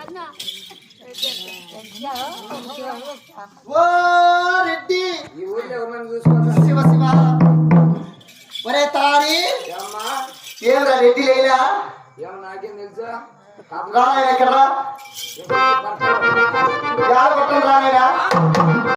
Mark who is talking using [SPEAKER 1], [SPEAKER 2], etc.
[SPEAKER 1] ఓ రెడ్డి ఈ ఊళ్ళో ఎవరిని చూసుకో శివ శివ ఒరే తారి ఏమరా రెడ్డి లేలా ఏమో నాకేం తెలుసా ఎక్కడరా కొట్టం రాలేదా